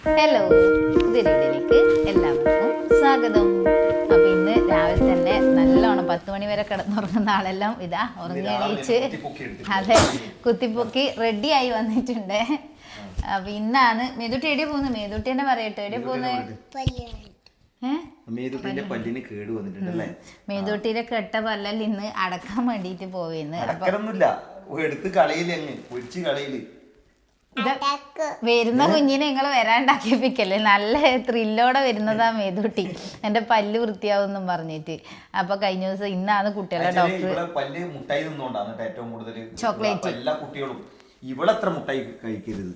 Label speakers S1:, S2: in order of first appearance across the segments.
S1: Hello, പുതിയ വീഡിയോയിലേക്ക് എല്ലാവർക്കും സ്വാഗതം. അപ്പം ഇന്ന് രാവിലെ തന്നെ നല്ലോണം 10 മണി വരെ കിടന്നുറങ്ങുന്ന ആളെല്ലാം ഇതാ ഉറങ്ങി എണീച്ച് അതെ കുത്തിപ്പൊക്കി റെഡിയായി വന്നിട്ടുണ്ട്. അപ്പം ഇന്നാണ് മേതുട്ടി എവിടെ പോകുന്നത്? മേതുട്ടി തന്നെ പറയട്ടെ, എവിടെ പോകുന്നത്? മേതുട്ടിയുടെ കെട്ട പല്ലല്ല ഇന്ന് അടക്കാൻ വേണ്ടിട്ട് പോയിന്ന്. വരുന്ന കുഞ്ഞിനെ നിങ്ങൾ വരാണ്ടാക്കിപ്പിക്കല്ലേ, നല്ല ത്രില്ലോടെ വരുന്നതാ മേതുട്ടി, എന്റെ പല്ല് വൃത്തിയാവും പറഞ്ഞിട്ട്. അപ്പൊ കഴിഞ്ഞ ദിവസം ഇന്നാണ് കുട്ടികളെ ഡോക്ടർ ചോക്ലേറ്റ്
S2: എല്ലാ കുട്ടികളും ഇവളെത്ര മുട്ടായി കഴിക്കരുത്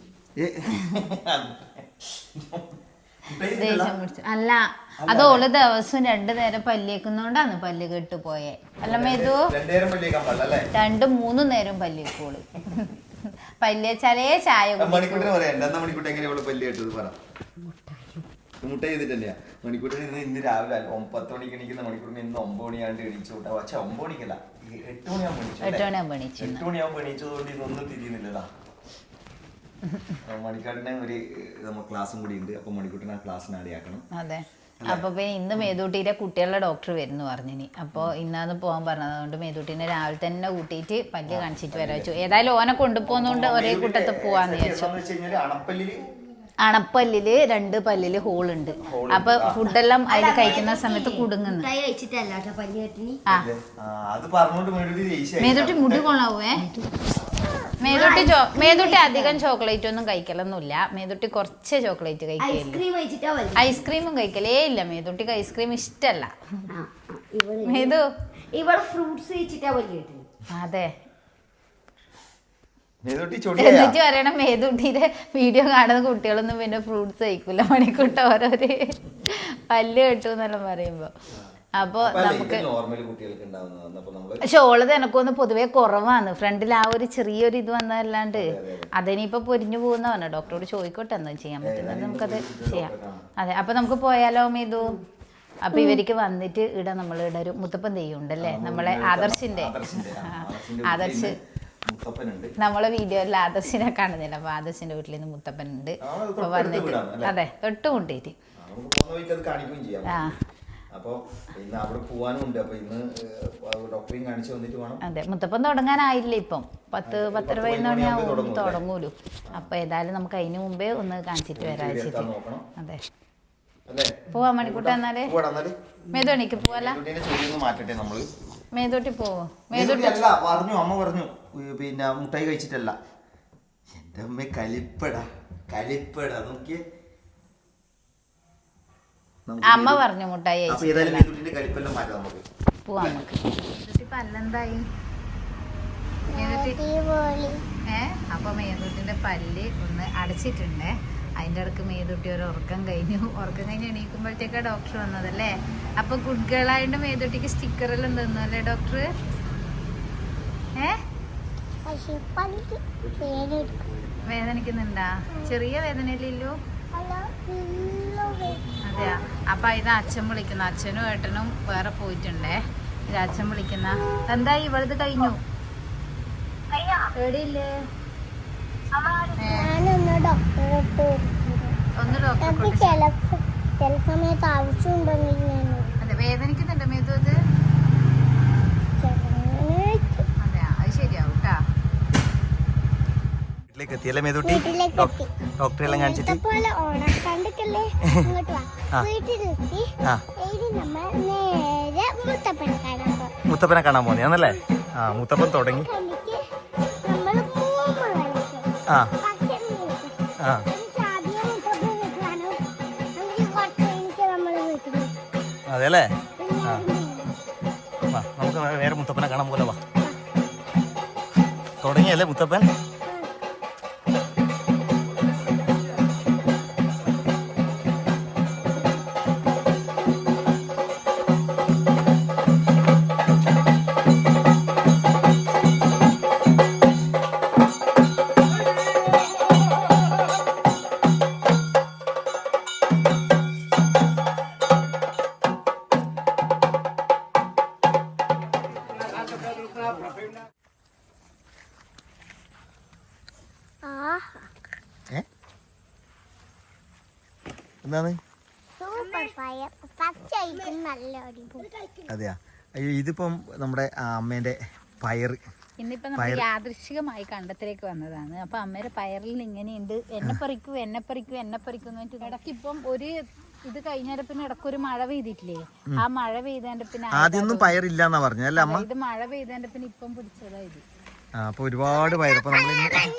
S1: ദേഷ്യം പിടിച്ചു. അല്ല, അത് ഓള് ദിവസം 2 നേരം പല്ലേക്കുന്നോണ്ടാണ് പല്ല് കെട്ട് പോയെ. അല്ല മേതു, 2-3 നേരം പല്ലേക്കോള്. പല്ലേച്ചാലേ ചായ
S2: മുട്ട ചെയ്തിട്ടല്ലേ മണിക്കൂട്ടിന് ഇന്ന് രാവിലെ 10 മണിക്ക് എണീക്കുന്ന മണിക്കൂറിന് ഇന്ന് 9 മണിയാണ്ട് എണീച്ചു കൂട്ടാ. പക്ഷെ 9 മണിക്കല്ല, 8 മണിയാകുമ്പോ എണീച്ചതുകൊണ്ട് ഇതൊന്നും തിരിയുന്നില്ലതാ. മണിക്കൂട്ടിന് ഒരു ക്ലാസ്സും കൂടി ഉണ്ട്. അപ്പൊ മണിക്കൂട്ടിന് ആ ക്ലാസ്സിന് ആടിയാക്കണം.
S1: അതെ. അപ്പൊ പിന്നെ ഇന്ന് മേതൂട്ടിയുടെ കുട്ടികളുടെ ഡോക്ടർ വരുന്നു പറഞ്ഞിനി. അപ്പോൾ ഇന്നാന്ന് പോകാൻ പറഞ്ഞത്. അതുകൊണ്ട് മേതൂട്ടിനെ രാവിലെ തന്നെ കൂട്ടിയിട്ട് പല്ല് കാണിച്ചിട്ട് വരാൻ വെച്ചു. ഏതായാലും ഓനെ കൊണ്ടുപോകുന്നോണ്ട് ഒരേ കൂട്ടത്തിൽ പോവാന്ന് വിചാരിച്ചു. അണപ്പല്ലില് 2 പല്ലില് ഹോളുണ്ട്. അപ്പൊ ഫുഡെല്ലാം അതിൽ കഴിക്കുന്ന സമയത്ത് കുടുങ്ങുന്നു. മേതൂട്ടി മുടി കൊള്ളാവേ. മേതുട്ടി അധികം ചോക്ലേറ്റ് ഒന്നും കഴിക്കലൊന്നുമില്ല. മേതുട്ടി കുറച്ച് ചോക്ലേറ്റ് കഴിക്കില്ല. ഐസ്ക്രീമും കഴിക്കലേ ഇല്ല. മേതുട്ടിക്ക് ഐസ്ക്രീം ഇഷ്ടല്ല. മേതു അതെ. എന്നിട്ട് പറയണം മേതുട്ടിയുടെ വീഡിയോ കാണുന്ന കുട്ടികളൊന്നും പിന്നെ ഫ്രൂട്ട്സ് കഴിക്കൂല. മണിക്കൂട്ട ഓരോര് പല്ല് കെട്ടു എന്നെല്ലാം പറയുമ്പോ. അപ്പൊ നമുക്ക് പക്ഷെ ഓളത് എനക്കൊന്ന് പൊതുവെ കുറവാണ്. ഫ്രണ്ടിൽ ആ ഒരു ചെറിയൊരു ഇത് വന്നതല്ലാണ്ട് അതിനിപ്പോ പൊരിഞ്ഞു പോകുന്ന പറഞ്ഞ. ഡോക്ടറോട് ചോദിക്കോട്ടെ എന്താ ചെയ്യാൻ പറ്റുന്നത്, നമുക്കത് ചെയ്യാം. അതെ, അപ്പൊ നമുക്ക് പോയാലോ മേതു? അപ്പൊ ഇവർക്ക് വന്നിട്ട് ഇവിടെ നമ്മൾ ഇവിടെ ഒരു മുത്തപ്പൻ തെയ്യം ഉണ്ടല്ലേ, നമ്മളെ ആദർശിന്റെ. ആദർശ് നമ്മളെ വീഡിയോയിൽ ആദർശിനെ കാണുന്നില്ല. അപ്പൊ ആദർശിന്റെ വീട്ടിൽ നിന്ന് മുത്തപ്പൻ ഉണ്ട്. അപ്പൊ വന്നിട്ട് അതെ തൊട്ട് മുട്ടിയിട്ട് അതെ. മുത്തപ്പൻ തുടങ്ങാനായില്ല ഇപ്പം. 10-10:15 മണിയാവും തുടങ്ങൂലു. അപ്പൊ ഏതായാലും നമുക്ക് അതിന് മുമ്പേ ഒന്ന് കാണിച്ചിട്ട് വരാ വെച്ചിട്ട്. അതെ, പോവാ മണിക്കൂട്ട. എന്നാല് മേതോണിക്ക് പോവല്ല. മേതോട്ടി പോവോ? മേതോട്ടി
S2: പറഞ്ഞു, അമ്മ പറഞ്ഞു പിന്നെ മുട്ടായി കഴിച്ചിട്ടല്ല. എന്റെ അമ്മ കലിപ്പടാ നോക്കിയേ.
S1: അമ്മ പറഞ്ഞു മുട്ടായി പോവാ നമുക്ക്. പല്ലെന്തായി? അപ്പൊ മേതുട്ടിന്റെ പല്ല് ഒന്ന് അടച്ചിട്ടുണ്ട്. അതിൻ്റെ ഇടക്ക് മേതുട്ടി ഒരു ഉറക്കം കഴിഞ്ഞു എണീക്കുമ്പോഴത്തേക്കാ ഡോക്ടർ വന്നതല്ലേ. അപ്പൊ ഗുഡ് ഗേൾ ആയിട്ട് മേതുട്ടിക്ക് സ്റ്റിക്കറെല്ലാം തന്നു അല്ലേ ഡോക്ടർ? വേദനിക്കുന്നുണ്ടാ? ചെറിയ വേദനയില്ലല്ലോ. അതെയാ. അപ്പൊ ഇത് അച്ഛൻ വിളിക്കുന്ന. അച്ഛനും ഏട്ടനും വേറെ പോയിട്ടുണ്ടേ. ഇത് അച്ഛൻ വിളിക്കുന്ന. എന്തായി ഇവളത് കഴിഞ്ഞു? എവിടെയില്ലേ? ഒന്ന് ഡോക്ടർ അതെ. വേദനിക്കുന്നുണ്ട് മേതു അത്? അതെയാ, അത് ശരിയാവും കേട്ടാ.
S2: എത്തിയല്ലേ മേതുട്ടി? ഡോക്ടറെല്ലാം കാണിച്ചിട്ട് മുത്തപ്പനെ കാണാൻ പോന്നെയാന്നല്ലേ? ആ, മുത്തപ്പൻ തുടങ്ങി. ആ ആ അതെ അല്ലേ? ആ, നമുക്ക് നേരെ മുത്തപ്പനെ കാണാൻ പോലെ വാ. തുടങ്ങിയല്ലേ മുത്തപ്പൻ? എന്താണ്? അതെയാ. അയ്യോ ഇതിപ്പം നമ്മുടെ അമ്മേന്റെ പയറ്.
S1: ഇന്നിപ്പോ നമ്മൾ യാദൃശികമായി കണ്ടത്തിലേക്ക് വന്നതാണ്. അപ്പൊ അമ്മയുടെ പയറിൽ ഇങ്ങനെയുണ്ട്, എന്നെ പറിക്കൂ എന്ന് പറഞ്ഞിട്ട് ഇടയ്ക്ക് ഇപ്പം ഒരു ഇത് കഴിഞ്ഞാൽ പിന്നെ ഇടയ്ക്കൊരു മഴ പെയ്തിട്ടില്ലേ, ആ മഴ പെയ്തതിന്റെ പിന്നെ
S2: ആദ്യമൊന്നും പയറില്ലാന്നാ പറഞ്ഞല്ലേ അമ്മ?
S1: ഇത് മഴ പെയ്തതിന്റെ പിന്നെ ഇപ്പം പിടിച്ചതാ ഇത്.
S2: അപ്പൊ ഒരുപാട് പയർ. അപ്പൊ നമ്മൾ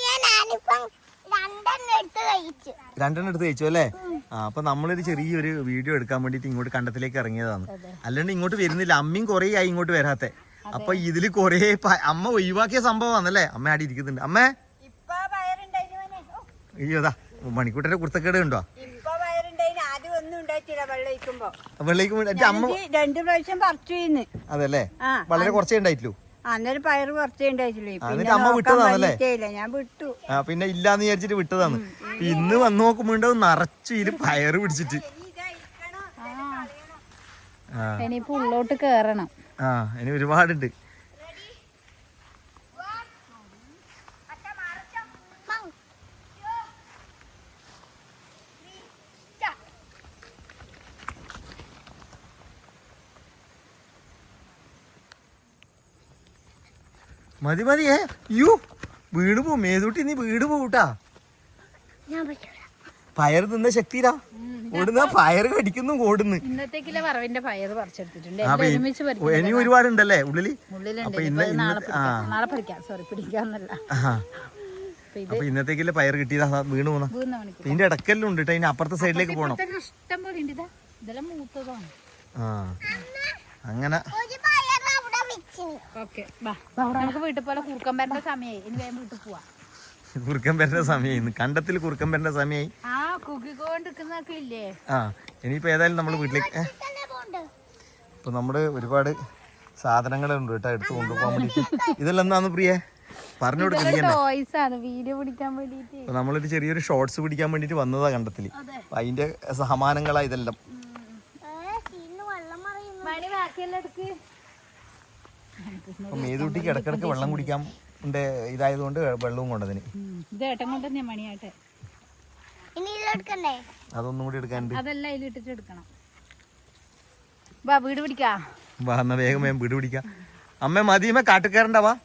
S2: 2 എടുത്ത് കഴിച്ചു അല്ലേ? അപ്പൊ നമ്മളൊരു ചെറിയൊരു വീഡിയോ എടുക്കാൻ വേണ്ടിട്ട് ഇങ്ങോട്ട് കണ്ടത്തിലേക്ക് ഇറങ്ങിയതാണ്. അല്ലാണ്ട് ഇങ്ങോട്ട് വരുന്നില്ല. അമ്മയും കൊറേ ആയി ഇങ്ങോട്ട് വരാത്തെ. അപ്പൊ ഇതില് കൊറേ അമ്മ ഒഴിവാക്കിയ സംഭവമാണല്ലേ? അമ്മ ആടി ഇരിക്കുന്നുണ്ട്. അമ്മേ അയ്യോതാ മണിക്കൂട്ടന്റെ കുർത്തക്കേട് ഉണ്ടോ? വെള്ളയിക്കുമ്പോ അമ്മ
S3: 2 പ്രാവശ്യം പറിച്ചു.
S2: അതല്ലേ? വളരെ കുറച്ചേ ഉണ്ടായിട്ടുള്ളൂ.
S3: അന്നേരം പയറ് കുറച്ചേ ഉണ്ടായിട്ടില്ലേ.
S2: എന്നിട്ട് അമ്മ വിട്ടതാണല്ലേ?
S3: ഞാൻ വിട്ടു.
S2: പിന്നെ ഇല്ലാന്ന് വിചാരിച്ചിട്ട് വിട്ടതാണ്. ഇന്ന് വന്ന് നോക്കുമ്പോ നിറച്ചു ഇതില് പയറ് പിടിച്ചിട്ട്.
S1: ഇനിയിപ്പോ ഉള്ളോട്ട് കേറണം.
S2: ഇനി ഒരുപാടുണ്ട്. മതി മതിയേ. യു വീട് പോ മേതൂട്ടി, നീ വീട് പോട്ടാ. പയർ തിന്ന ശക്തിയിലാ ഓടുന്ന. പയറ് കടിക്കുന്നു ഓടുന്നു.
S1: ഇന്നത്തേക്കിലെ വറവിന്റെ പയറ് പറിച്ചെടുത്തിട്ടുണ്ട്.
S2: ഇനി ഒരുപാടുണ്ടല്ലേ ഉള്ളില്?
S1: നാളെ പിടിക്കാം. സോറി, പിടിക്കാന്നല്ല.
S2: അപ്പൊ ഇന്നത്തേക്കില്ല പയർ കിട്ടിയതാ. വീണ് പോന്ന ഇതിന്റെ ഇടക്കെല്ലാം ഉണ്ട്. അതിന്റെ അപ്പുറത്തെ സൈഡിലേക്ക് പോണം.
S1: ഇഷ്ടം പോലെ ഉണ്ട്. ഇതെല്ലാം മൂത്തതാണ്.
S2: അങ്ങനെ
S1: നമുക്ക് വീട്ടിൽ പോലെ കുറുക്കം വരേണ്ട സമയമായി. ഇനി വേഗം വീട്ടിൽ പോവാ.
S2: കുറുക്കൻ വരുന്ന സമയമായി. കണ്ടത്തിൽ കുറുക്കൻ വരുന്ന സമയമായി.
S1: കുക്കിക്കൊണ്ടിരിക്കുന്നൊക്കെ ഇല്ലേ?
S2: ഇനിയിപ്പോ ഏതായാലും നമ്മള് വീട്ടിലേക്ക് ഇപ്പൊ നമ്മള് ഒരുപാട് സാധനങ്ങളുണ്ട് കേട്ടോ എടുത്ത് കൊണ്ടുപോകാൻ വേണ്ടിട്ട്. ഇതെല്ലാം എന്താന്ന് പ്രിയ പറഞ്ഞു കൊടുക്കുന്നത്?
S1: വീഡിയോ പിടിക്കാൻ വേണ്ടിട്ട്.
S2: അപ്പൊ നമ്മളൊരു ചെറിയൊരു ഷോർട്സ് പിടിക്കാൻ വേണ്ടിട്ട് വന്നതാ കണ്ടത്തില്. അപ്പൊ അതിന്റെ സമാനങ്ങളാ ഇതെല്ലാം. അപ്പൊ മേതൂട്ടിക്ക് ഇടക്കിടക്ക് വെള്ളം കുടിക്കാൻ ഇതായതുകൊണ്ട് വെള്ളവും കൊണ്ടതിന്. അതൊന്നും കൂടി എടുക്കാനുണ്ട്.
S1: അതെല്ലാം അതിലിട്ടിട്ട് എടുക്കണം. വീട് പിടിക്കാ.
S2: വാ എന്നാ വേഗം വേഗം വീട് പിടിക്കാം. അമ്മ മതിയമ്മ കാട്ടുകാരണ്ടാ. വാ.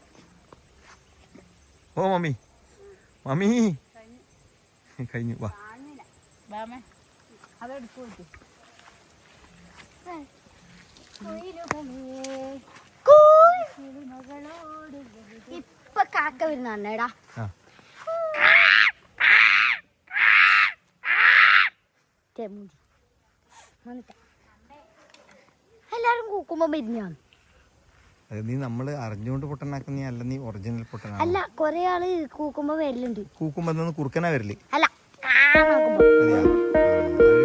S2: ഓ മമ്മി മമ്മി കഴിഞ്ഞു. വാ.
S4: ഇപ്പൊ കാക്ക വരുന്നേടാ. എല്ലാരും കൂക്കുമ്പോ വരുന്നാണ്.
S2: നീ നമ്മള് അറിഞ്ഞുകൊണ്ട് പൊട്ടനാക്കുന്ന അല്ല, നീ ഒറിജിനൽ പൊട്ടനാ.
S4: അല്ല, കൊറേ ആള് കൂക്കുമ്പോ വരലുണ്ട്.
S2: കൂക്കുമ്പോ കുറുക്കനാ വരല്.
S4: അല്ല,
S2: അതെയാ?